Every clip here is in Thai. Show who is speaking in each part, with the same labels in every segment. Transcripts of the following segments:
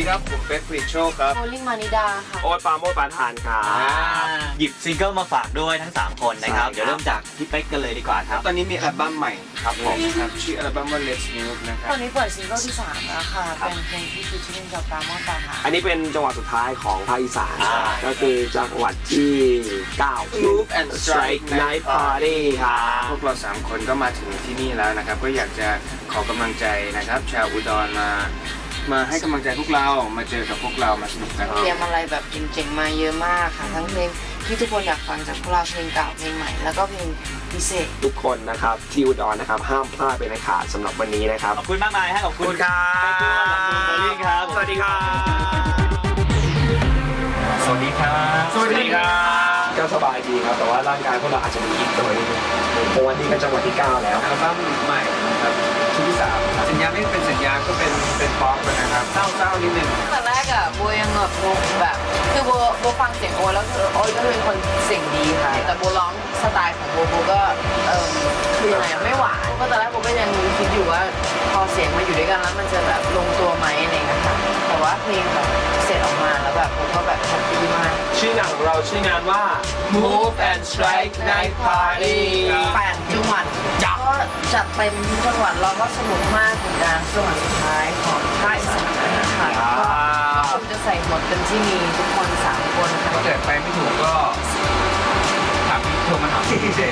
Speaker 1: ครับผมเป๊กฟริชโชคครับ
Speaker 2: โมลิ่งมานิดาค่ะ
Speaker 1: โอ๊ตปาโมดปานทานครับ
Speaker 3: หยิบซิงเกิลมาฝากด้วยทั้ง3คนนะครับเดี๋ยวเริ่มจากพี่เป๊กกันเลยดีกว่าครับ
Speaker 1: ตอนนี้มีอัลบั้มใหม่ครับผมครับชื่ออัลบั้มว่า Let's Move นะครับ
Speaker 2: ตอนนี้เปิดซิงเกิลที่3แล้วค่ะเป็นเพลงที่ฟีเจอริ่งกับปราโมทปราหา
Speaker 1: อันนี้เป็นจังหวัดสุดท้ายของภาคอีสานก็คือจังหวัดที่9 Move and Strike Night Party ครับพวกเรา3คนก็มาถึงที่นี่แล้วนะครับก็อยากจะขอกำลังใจนะครับชาวอุดรมาให้กำลังใจพวกเรามาเจอกับพวกเรามาสนุกกัน
Speaker 2: เตรียมอะไรแบบเจ๋งๆมาเยอะมากค่ะทั้งเพลงที่ทุกคนอยากฟังจากพวกเราเพลงเก่าเพลงใหม่แล้วก็เพลงพิเศษ
Speaker 1: ทุกคนนะครับที่อุดรนะครับห้ามพลาดเป็นอันขาดสำหรับวันนี้นะครับ
Speaker 3: ขอบคุณมากมายฮะขอบคุณ
Speaker 1: ครับ
Speaker 3: ขอบคุณโมลิ่งครับ
Speaker 1: สวัสดีครับ
Speaker 3: สวัสดีครับ
Speaker 1: สวัสดีครับก็สบายดีครับแต่ว่าร่างกายพวกเราอาจจะมีอิดตัวนิดนึงเพราะว่านี่ก็จังหวัดที่9แล้วอัลบั้มใหม่นะครับชุดที่3สัญญาไม่เป็นสัญญาก็เป็นป๊อปนะครับเศร้านิดนึง
Speaker 2: ตอนแรกอะโบยังแบบคือโบฟังเสียงโอแล้วโอก็เป็นคนเสียงดีค่ะแต่โบร้องสไตล์ของโบก็คือยังไงไม่หวานก็ตอนแรกโบก็ยังคิดอยู่ว่าพอเสียงมาอยู่ด้วยกันแล้วมันจะแบบลงตัวไหมอะไรเงี้ยค่ะแต่ว่าเพลงแบบเสร็จออกมาแล้วแบบโบก็แบบแฮปปี้มาก
Speaker 1: ชื่อหนังของเราชื่องานว่า Move and Strike Night Party
Speaker 2: 8 จังหวัดก็จัดเต็มทุกจังหวัดเราก็สนุกมากถึงการจังหวัดสุดท้ายของภาคอีสานนะคะก็คงจะใส่หมดเต็มที่มีทุกคน3 คนค่ะ
Speaker 1: ถ้าเกิดไปไม่ถูกก็ถามโทรมาถามพี่เจ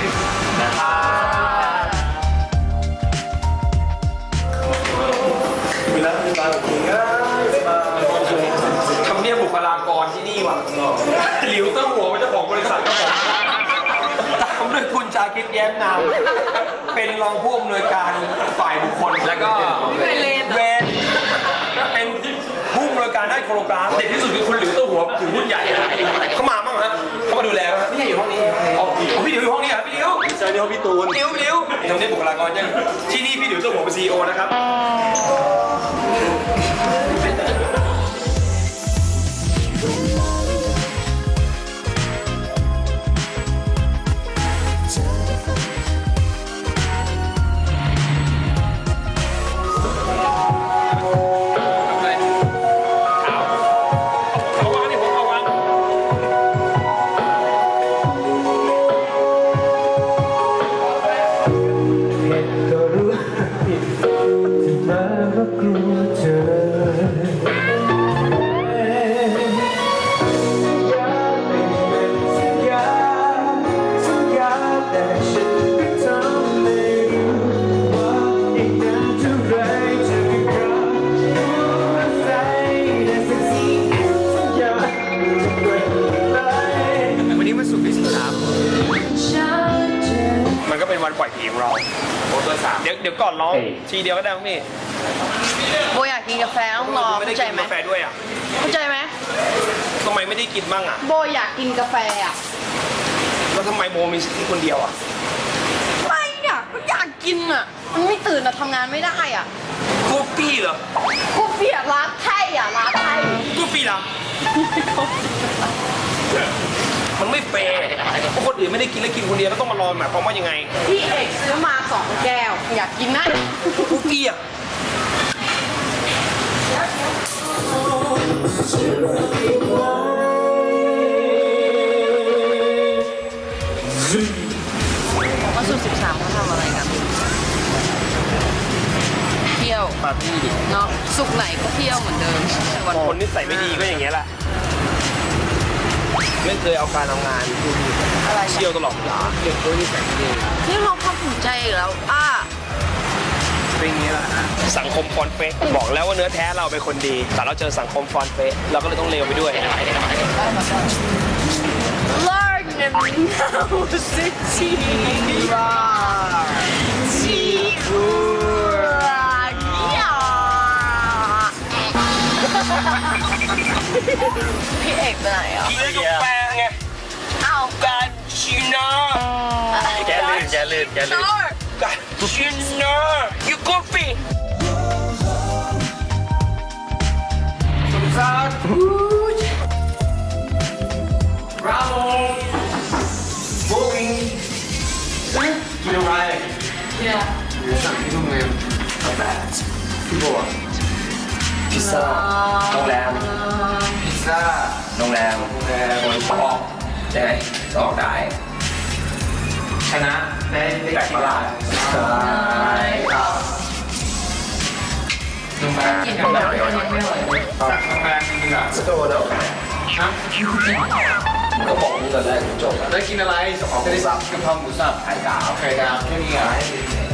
Speaker 1: ทำเนียบบุคลากรที่นี่ว่ะหลิวเต้าหัวเป็นเจ้าของบริษัทครับผมตามด้วยคุณชาคิดแย้มนามเป็นรองผู้อำนวยการฝ่ายบุคคลแล้วก็เวนเป็นผู้อำนวยการด้านโครงการเด็ดที่สุดคือคุณหลิวเต้าหัวถือหุ้นใหญ่เขามาบ้างฮะเขามาดูแลไหมพี่อยู่ห้องนี้อ๋อพี่หลิวอยู่ห้องนี้เหรอพี่หลิวใช่นี่ห้องพี่ตูนหลิวทำเนียบบุคลากรยังที่นี่พี่หลิวเต้าหัวเป็นCEOนะครับวันปล่อยเพลงเราเดี๋ยวก่อนร้องทีเดียวก็ได้พี่
Speaker 2: โบอยากกินกาแฟต้องรอเข้าใจไหม
Speaker 1: กาแฟด้วยอ่ะ
Speaker 2: เข้าใจไหม
Speaker 1: ทำไมไม่ได้กินบ้างอ่ะ
Speaker 2: โบอยากกินกาแฟอ่ะ
Speaker 1: แล้วทำไมโบมีสิทธิ์คนเดียวอ่ะ
Speaker 2: ไม่อ่ะอยากกินอ่ะมันไม่ตื่นอ่ะทำงานไม่ได้อ่ะ
Speaker 1: กูปี้เหรอ
Speaker 2: กูปี้อ่ะร้านไทยอ่ะร้านไทย
Speaker 1: กูปี้เหรอมันไม่แฟร์เพราะคนอื่นไม่ได้กินแล้วกินคนเดียวก็ต้องมารอหมายความว่ายังไง
Speaker 2: พี่เอกซื้อมา2 แก้วอยากกินนะ
Speaker 1: กูปี้อ่ะ
Speaker 2: วันศุกร์13เขาทำอะไรกันเที่ยว
Speaker 1: ปาร์ตี้ดิ
Speaker 2: เนาะศุกร์ไหนก็เที่ยวเหมือนเดิม
Speaker 1: วันคนนิสัยไม่ดีก็อย่างเงี้ยแหละไม่เคยเอาการเอางานเที่ยวตลอดเวลาเด็กด้วยนิสัยไม่ดี
Speaker 2: นี่เราความภูมิใจอีกแล้ว
Speaker 1: เป็นอย่างนี้แหละสังคมฟอนเฟะบอกแล้วว่าเนื้อแท้เราเป็นคนดีแต่เราเจอสังคมฟอนเฟะเราก็เลยต้องเลวไปด้วย
Speaker 2: พี่เอกไปไหนอ่ะ
Speaker 1: พี่เอกยกแปลงไง
Speaker 2: เอา
Speaker 1: การชินา
Speaker 3: แกลื่นการ
Speaker 1: ชินายูกูฟี่สมศักดิ์บราโวโบวิ่งกินอะไรสั่งที่โรงแรมแบบพี่โบพิซซ่าโรงแรมพิซซ่าโรงแรมออกได้ไหมออกได้ชนะได้แบกประหลาดใช่ครับโรงแรม
Speaker 2: กินของเรายังไม่ไหว
Speaker 1: สั่งโรงแรมจริงๆอ่ะสโตร์เดี๋ยวครับก็บอกมึงตอนแรกจบแล้วได้กินอะไรของหมูสับกะเพราหมูสับไข่ดาวแค่นี้อ่ะ